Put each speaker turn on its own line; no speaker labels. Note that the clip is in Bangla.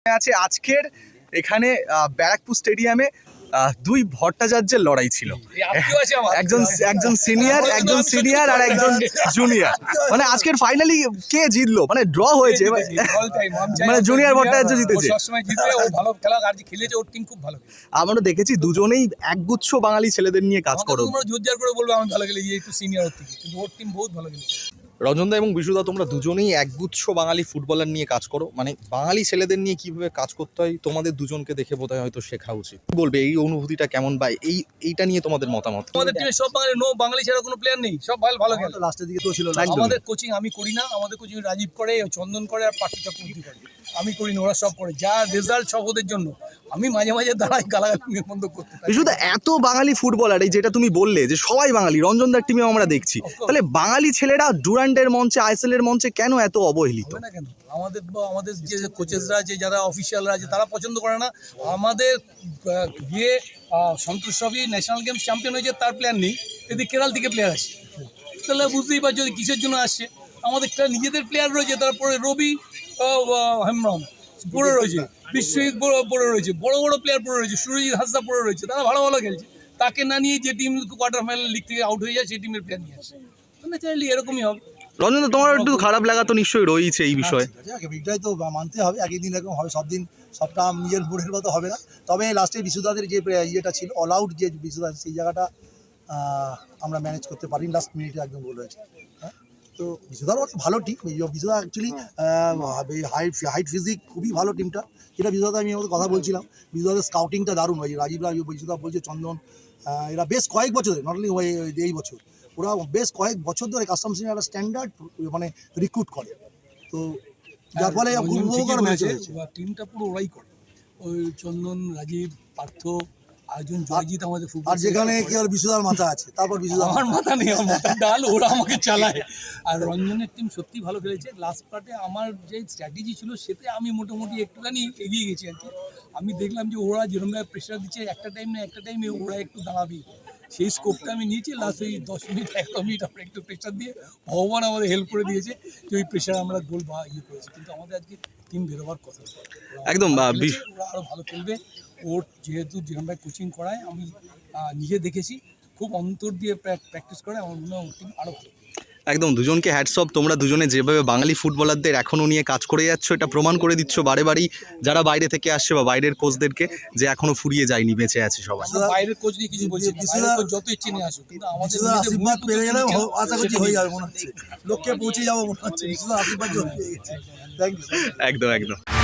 আছে আজকের এখানে ব্যারাকপুর স্টেডিয়ামে দুই ভট্টাচার্যের লড়াই ছিল। একজন সিনিয়র আর একজন জুনিয়র। মানে আজকের ফাইনালি কে জিতলো, মানে ড্র হয়েছে, মানে জুনিয়র ভট্টাচার্য জিতেছে। আমরা দেখেছি দুজনেই একগুচ্ছ বাঙালি ছেলেদের নিয়ে কাজ করো। রঞ্জনদা এবং বিশুদা, তোমরা দুজনেই একগুচ্ছ বাঙালি ফুটবলার নিয়ে কাজ করো, মানে বাঙালি ছেলেদের নিয়ে কিভাবে কাজ করতে হয় তোমাদের দুজনকে দেখে বোধহয় হয়তো শেখা উচিত। বলবে এই অনুভূতিটা কেমন বা এইটা নিয়ে তোমাদের মতামত?
আমাদের টিমে সব বাঙালি ছাড়া কোনো প্লেয়ার নেই, সব ভালো খেলে। লাস্টের দিকে তো ছিল। আমাদের কোচিং আমি করি না, আমাদের কোচিং রাজীব করে, চন্দন করে আর পার্থ চক্রবর্তী করে। আমি করি না, ওরা সব করে। যা রেজাল্ট সব ওদের জন্য। আমি মাঝে মাঝে দাঁড়াই গালাগালি বন্ধ করতে।
বিশুদা, এত বাঙালি ফুটবলার, এই যেটা তুমি বললে যে সবাই বাঙালি, রঞ্জনদার টিমেও আমরা দেখছি, তাহলে বাঙালি ছেলেরা ডুরান্ডের মঞ্চে, আইএসএল এর মঞ্চে কেন এত অবহেলিত?
না কেন, আমাদের যে কোচেসরা আছে, যারা অফিসিয়ালরা আছে, তারা পছন্দ করে না। আমাদের গিয়ে Santosh trophy national games champion হয়েছে, তার প্লেয়ার নেই। এদিকে কেরাল থেকে প্লেয়ার আসে, তাহলে বুঝতেই পারছো যে কিসের জন্য আসছে। আমাদের নিজেদের প্লেয়ার রয়েছে, তারপরে রবি হেমব্রম পড়ে রয়েছে, বিশ্বজিৎ পড়ে রয়েছে, বড় বড় প্লেয়ার পড়ে রয়েছে, সুরজিৎ হাসদা পড়ে রয়েছে, তারা ভালো ভালো খেলছে। তাকে না নিয়ে যে টিম কোয়ার্টার ফাইনাল লিগ থেকে আউট হয়ে যায়, সেই টিমের প্লেয়ার নিয়ে আসে। ন্যাচারালি এরকমই হবে।
রঞ্জনদা, তোমার একটু খারাপ লাগা তো নিশ্চয়ই রয়েছে এই বিষয়ে।
এটাই তো মানতে হবে, একই দিন এরকম হবে, সব দিন সবটা নিজের মুডের মতো হবে না। তবে লাস্টে বিশুদাদের যে ইয়েটা ছিল, অল আউট যে বিশুদা, সেই জায়গাটা আমরা ম্যানেজ করতে পারি। লাস্ট মিনিটে একদম গোল হয়েছে। তো বিশুদার অনেক ভালো team. Bishuda actually height physique খুবই ভালো টিমটা। যেটা বিশুদাতে আমি আমাদের কথা বলছিলাম, বিশুদাদের স্কাউটিংটা দারুণ হয়েছে। রাজীবরা বিশুদা বলছে, চন্দন, এরা বেশ কয়েক বছরে, নট অনলি এই বছর, ওরা বেশ কয়েক বছর ধরে কাস্টমস একটা স্ট্যান্ডার্ড মানে রিক্রুট করে। তো যার ফলে খুব উপকার হয়েছে।
টিমটা পুরো ওরাই করে, ওই চন্দন, রাজীব, পার্থ, আয়োজন, জয়জিৎ আমাদের ফুটবল।
আর যেখানে কি আর বিশুদার মাথা আছে, তারপর বিশুদা,
আমার মাথা নেই, আমার মাথার ডাল, ওরা আমাকে চালায়। আর রঞ্জনের টিম সত্যি ভালো খেলেছে। লাস্ট পার্টে আমার যে স্ট্র্যাটেজি ছিল, সেতে আমি মোটামুটি একটুখানি এগিয়ে গেছি আর কি। আমি দেখলাম যে ওরা যেরকমভাবে প্রেশার দিচ্ছে, একটা টাইমে ওরা একটু দাঁড়াবে, সেই স্কোপটা আমি নিয়েছি। লাস্ট ওই 10 মিনিট 1 মিনিট আমরা একটু প্রেশার দিয়ে, ভগবান আমাদের হেল্প করে দিয়েছে যে ওই প্রেশার আমরা গোল করেছি। কিন্তু আমাদের আজকে টিম বেরোবার কথা,
একদম
ওরা আরও ভালো খেলবে। ওর যেহেতু যেরকমভাবে কোচিং করায়, আমি নিজে দেখেছি, খুব অন্তর দিয়ে প্র্যাকটিস করে। আমার মনে হয় ওর টিম আরও ভালো।
একদম, দুজনকে হ্যাটস অফ। তোমরা দুজনে যেভাবে বাঙালি ফুটবলারদের এখনও নিয়ে কাজ করে যাচ্ছ, এটা প্রমাণ করে দিচ্ছ বারে বারেই যারা বাইরে থেকে আসছে বা বাইরের কোচদেরকে, যে এখনো ফুরিয়ে যায়নি, বেঁচে আছে সবাই।
বাইরের কোচ নিয়ে কিছু বলছি, যত ইচ্ছে নিয়ে আসুক, কিন্তু আমাদের
আশীর্বাদ পেয়ে গেলে আশা করছি হয়ে যাবে, মনে হচ্ছে লোককে পৌঁছে যাবো, মনে হচ্ছে আশীর্বাদ।
একদম।